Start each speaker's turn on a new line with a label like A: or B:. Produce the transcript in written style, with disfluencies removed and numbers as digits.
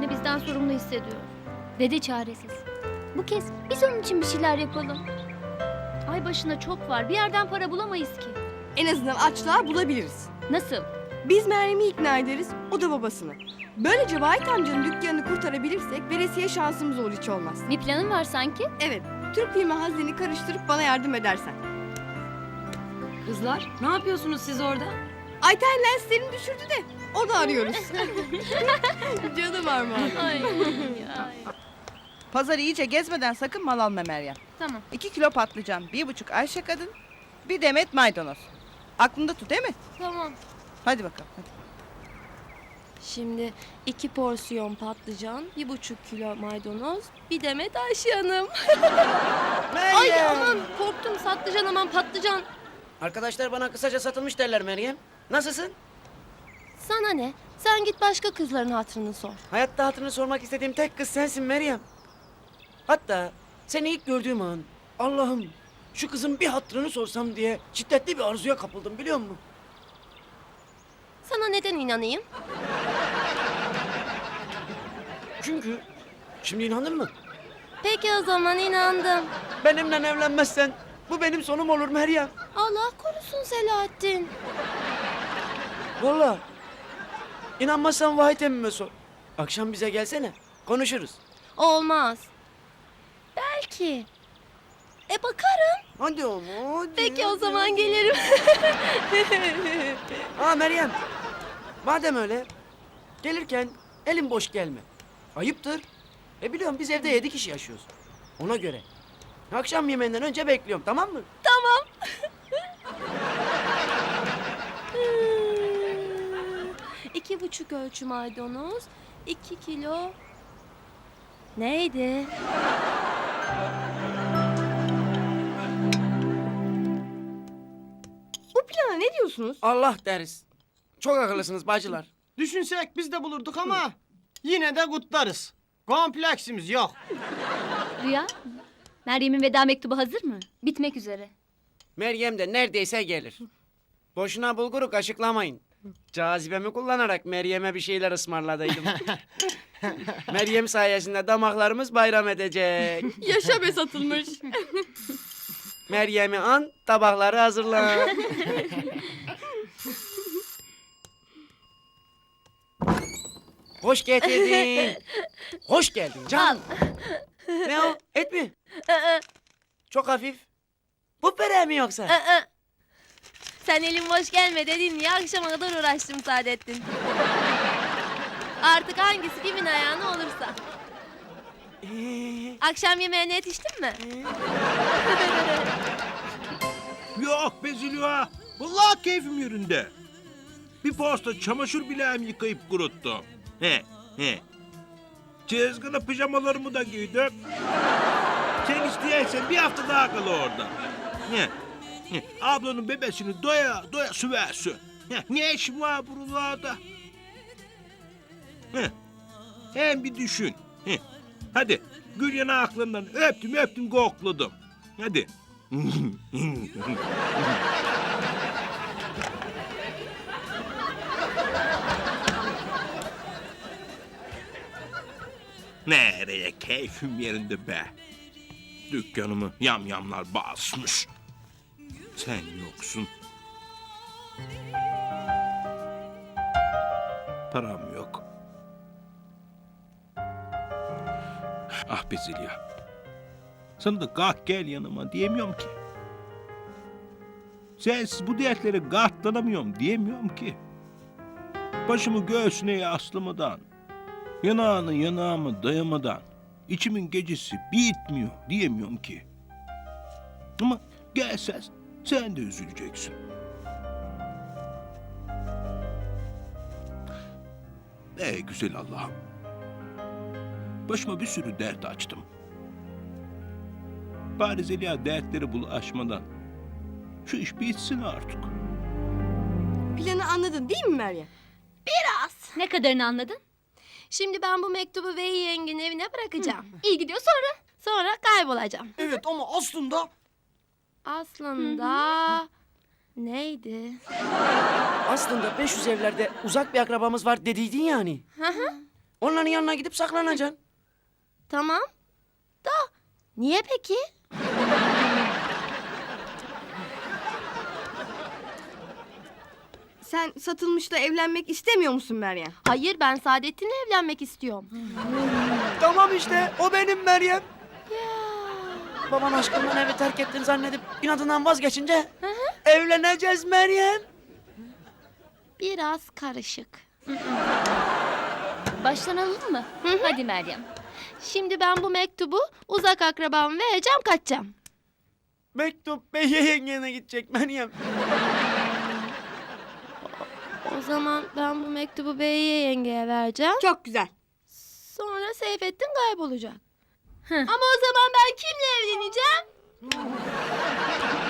A: kendini bizden sorumlu hissediyor.
B: Dede çaresiz. Bu kez biz onun için bir şeyler yapalım.
A: Ay başına çok var. Bir yerden para bulamayız ki.
C: En azından açlığa bulabiliriz.
A: Nasıl?
C: Biz Meryem'i ikna ederiz, o da babasını. Böylece Vahit amcanın dükkanını kurtarabilirsek veresiye şansımız olur hiç olmaz.
B: Bir planın var sanki.
C: Evet, Türk filmi hazneni karıştırıp bana yardım edersen.
D: Kızlar ne yapıyorsunuz siz orada?
C: Ayten lenslerini düşürdü de onu arıyoruz. Canım Armağan.
A: Ay.
E: Pazar iyice gezmeden sakın mal alma Meryem.
A: Tamam.
E: 2 kilo patlıcan, 1,5 Ayşe kadın, bir demet maydanoz. Aklında tut değil mi?
B: Tamam.
E: Hadi bakalım. Hadi.
F: Şimdi 2 porsiyon patlıcan, 1,5 kilo maydanoz, bir demet Ayşe Hanım. Ay aman korktum patlıcan aman patlıcan.
G: Arkadaşlar bana kısaca satılmış derler Meryem. Nasılsın?
F: Sana ne? Sen git başka kızların hatırını sor.
G: Hayatta hatırını sormak istediğim tek kız sensin Meryem. Hatta seni ilk gördüğüm an Allah'ım şu kızın bir hatırını sorsam diye şiddetli bir arzuya kapıldım biliyor musun?
F: Sana neden inanayım?
G: Çünkü şimdi inandın mı?
F: Peki o zaman inandım.
G: Benimle evlenmezsen bu benim sonum olur Meryem.
F: Allah korusun Selahattin.
G: Vallahi. İnanmazsan Vahit emmime sor. Akşam bize gelsene konuşuruz.
F: Olmaz. Belki. Bakarım.
G: Hadi ama hadi.
F: Peki o zaman gelirim.
G: Meryem. Madem öyle gelirken elin boş gelme. Ayıptır. Biliyorum biz evde 7 kişi yaşıyoruz. Ona göre. Akşam yemeğinden önce bekliyorum tamam mı?
F: Tamam. 2,5 ölçü maydanoz, 2 kilo... Neydi?
C: Bu plana ne diyorsunuz?
G: Allah deriz. Çok akıllısınız bacılar.
H: Düşünsek biz de bulurduk ama yine de kutlarız. Kompleksimiz yok.
A: Rüya, Meryem'in veda mektubu hazır mı?
B: Bitmek üzere.
G: Meryem de neredeyse gelir. Boşuna bulguru kaşıklamayın. Cazibemi kullanarak Meryem'e bir şeyler ısmarladıydım. Meryem sayesinde damaklarımız bayram edecek.
F: Yaşa be satılmış.
G: Meryem'i an, tabakları hazırla. Hoş getirdin. Hoş geldin canım. Ne o? Et mi? Çok hafif. Bu böreği mi yoksa?
F: Sen elin boş gelme dedin ya akşama kadar uğraştım Saadettin. Artık hangisi kimin ayağına olursa. Akşam yemeğine yetiştin mi?
I: Yok be Zülüha. Vallahi keyfim yerinde. Bir posta çamaşır bileğimi yıkayıp kuruttum. He. Çizgili pijamalarımı da giydim. Sen isteyensen bir hafta daha kal orada. He. Ablanın bebesini doya doya süversin. Ne işin var buralarda? Hem bir düşün. Hadi gül yanaklarından öptüm kokladım. Hadi. Nereye keyfim yerinde be. Dükkanımı yamyamlar basmış. Sen yoksun. Param yok. Ah be Zeliha. Sana da kalk gel yanıma diyemiyorum ki. Sensiz bu dertlere katlanamıyorum diyemiyorum ki. Başımı göğsüne yaslamadan, yanağını yanağıma dayamadan, içimin gecesi bitmiyor diyemiyorum ki. Ama gelsen sen de üzüleceksin. Güzel Allah'ım. Başıma bir sürü dert açtım. Bari Zeliha dertleri bulaşmadan şu iş bitsin artık.
C: Planı anladın değil mi Meryem?
A: Ne kadarını anladın?
F: Şimdi ben bu mektubu Veyi yengenin evine bırakacağım.
B: İyi gidiyor sonra.
F: Sonra kaybolacağım.
H: Evet ama aslında
F: Aslında... Neydi?
G: Aslında 500 evlerde uzak bir akrabamız var dediydin yani. Onların yanına gidip saklanacaksın.
F: Tamam. Da niye peki?
C: Sen Satılmış'la evlenmek istemiyor musun Meryem?
F: Hayır, ben Saadettin'le evlenmek istiyorum.
G: Tamam işte o benim Meryem. Baban aşkından evi terk ettin zannedip inadından vazgeçince evleneceğiz Meryem.
F: Biraz karışık.
A: Baştan alalım mı? Hadi Meryem.
F: Şimdi ben bu mektubu uzak akrabama vereceğim, kaçacağım.
G: Mektup Bey'e yengene gidecek Meryem.
F: O zaman ben bu mektubu Bey'e yengeye vereceğim.
C: Çok güzel.
F: Sonra Seyfettin kaybolacak. Ama o zaman ben kimle evleneceğim?